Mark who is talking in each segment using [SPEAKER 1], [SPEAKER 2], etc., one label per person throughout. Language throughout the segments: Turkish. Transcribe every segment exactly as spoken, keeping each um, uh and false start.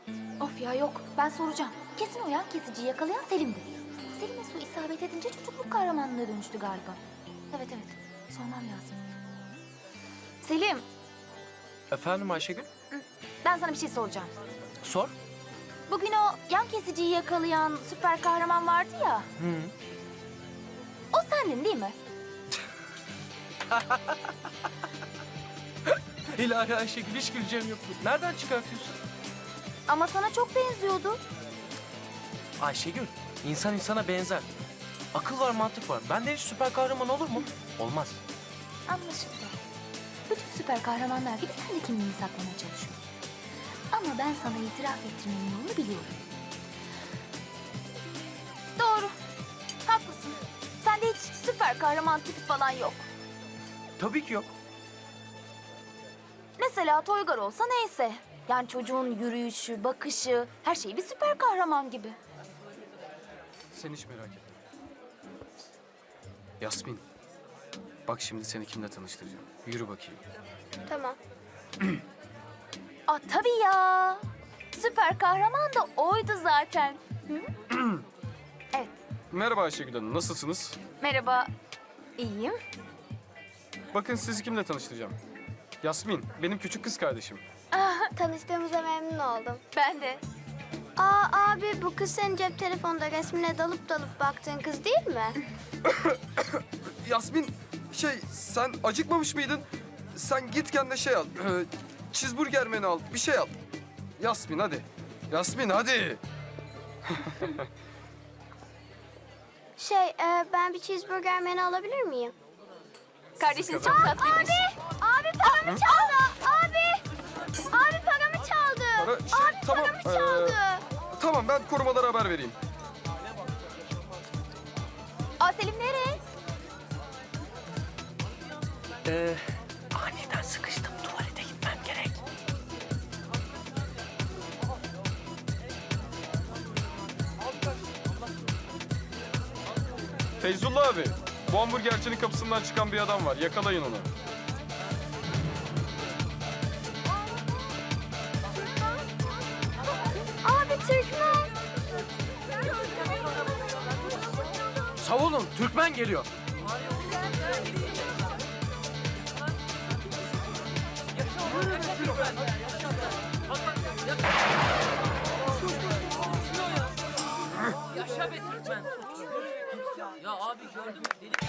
[SPEAKER 1] Of ya yok, ben soracağım. Kesin o yan kesiciyi yakalayan Selim'di. Selim'e su isabet edince çocukluk kahramanlığına dönüştü galiba. Evet evet, sormam lazım. Selim,
[SPEAKER 2] Efendim Ayşegül?
[SPEAKER 1] ben sana bir şey soracağım.
[SPEAKER 2] Sor.
[SPEAKER 1] Bugün o yan kesiciyi yakalayan süper kahraman vardı ya.
[SPEAKER 2] Hı.
[SPEAKER 1] O sendin değil mi?
[SPEAKER 2] İlahi Ayşegül, hiç güleceğim yok. Nereden çıkartıyorsun?
[SPEAKER 1] Ama sana çok benziyordu.
[SPEAKER 2] Ayşegül, insan insana benzer. Akıl var, mantık var. Benden hiç süper kahraman olur mu? Olmaz.
[SPEAKER 1] Anlaşıldı. Bütün süper kahramanlar gibi sen de kimliğini saklamaya çalışıyorsun. Ama ben sana itiraf ettirmenin yolunu biliyorum. Doğru. Haklısın. Sende hiç süper kahraman tipi falan yok.
[SPEAKER 2] Tabii ki yok.
[SPEAKER 1] Mesela Toygar olsa neyse. Yani çocuğun yürüyüşü, bakışı, her şeyi bir süper kahraman gibi.
[SPEAKER 3] Sen hiç merak etme. Yasmin, bak şimdi seni kimle tanıştıracağım. Yürü bakayım.
[SPEAKER 4] Tamam.
[SPEAKER 1] Aa tabii ya. Süper kahraman da oydu zaten. Hı? Evet.
[SPEAKER 3] Merhaba Ayşegül Hanım, nasılsınız?
[SPEAKER 1] Merhaba. İyiyim.
[SPEAKER 3] Bakın sizi kimle tanıştıracağım. Yasmin, benim küçük kız kardeşim.
[SPEAKER 4] Tanıştığımıza memnun oldum.
[SPEAKER 1] Ben de.
[SPEAKER 4] Aa abi bu kız senin cep telefonda resmine dalıp dalıp baktığın kız değil mi?
[SPEAKER 3] Yasmin, şey sen acıkmamış mıydın? Sen git kendine şey al. E, cheeseburger menü al, bir şey al. Yasmin hadi. Yasmin hadi.
[SPEAKER 4] Şey e, ben bir cheeseburger menü alabilir miyim?
[SPEAKER 1] Kardeşiniz çok tatlıymış.
[SPEAKER 4] Abi paramı çaldı. Abi. Abi paramı çaldı.
[SPEAKER 3] Para, şey,
[SPEAKER 4] Abi
[SPEAKER 3] tamam,
[SPEAKER 4] paramı
[SPEAKER 3] ee,
[SPEAKER 4] çaldı.
[SPEAKER 3] Tamam ben korumalara haber vereyim.
[SPEAKER 1] Aa Selim nereye?
[SPEAKER 2] Ee, aniden sıkıştım. Tuvalete gitmem gerek.
[SPEAKER 3] Feyzullah abi, bu hamburgercinin kapısından çıkan bir adam var. Yakalayın onu.
[SPEAKER 4] Abi Türkmen.
[SPEAKER 2] Savunun, Türkmen geliyor.
[SPEAKER 5] Yaşa be Türkmen. Ya abi gördün mü? Deli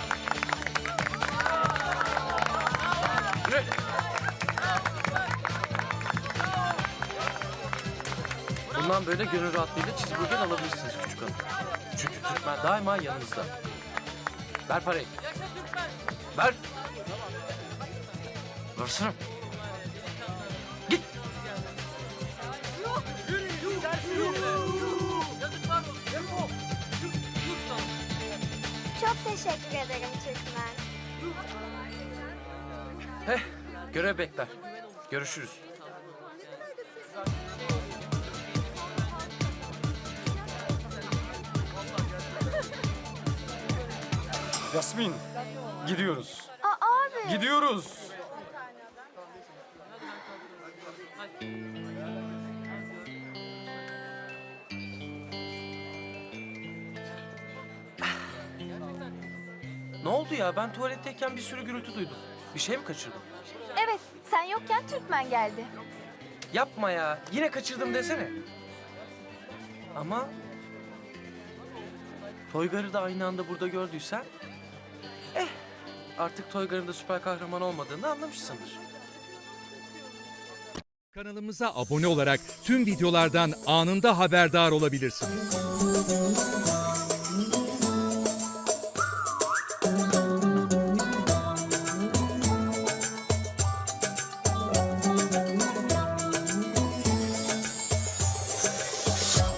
[SPEAKER 2] Yürü. Bundan böyle gönül rahatlığıyla cheeseburger alabilirsiniz küçük hanım. Çünkü Türkmen daima yanınızda. Ver parayı. Ver. Versene. Git.
[SPEAKER 4] Çok teşekkür ederim Türkmen.
[SPEAKER 2] Heh, görev bekler. Görüşürüz.
[SPEAKER 3] Yasmin, gidiyoruz.
[SPEAKER 4] Aa abi.
[SPEAKER 3] Gidiyoruz.
[SPEAKER 2] Ne oldu ya? Ben tuvaletteyken bir sürü gürültü duydum. Bir şey mi kaçırdım?
[SPEAKER 1] Evet, sen yokken Türkmen geldi.
[SPEAKER 2] Yapma ya. Yine kaçırdım desene. Ama Toygar'ı da aynı anda burada gördüysen... Eh, artık Toygar'ın da süper kahraman olmadığını anlamışsındır.
[SPEAKER 6] Kanalımıza abone olarak tüm videolardan anında haberdar olabilirsiniz.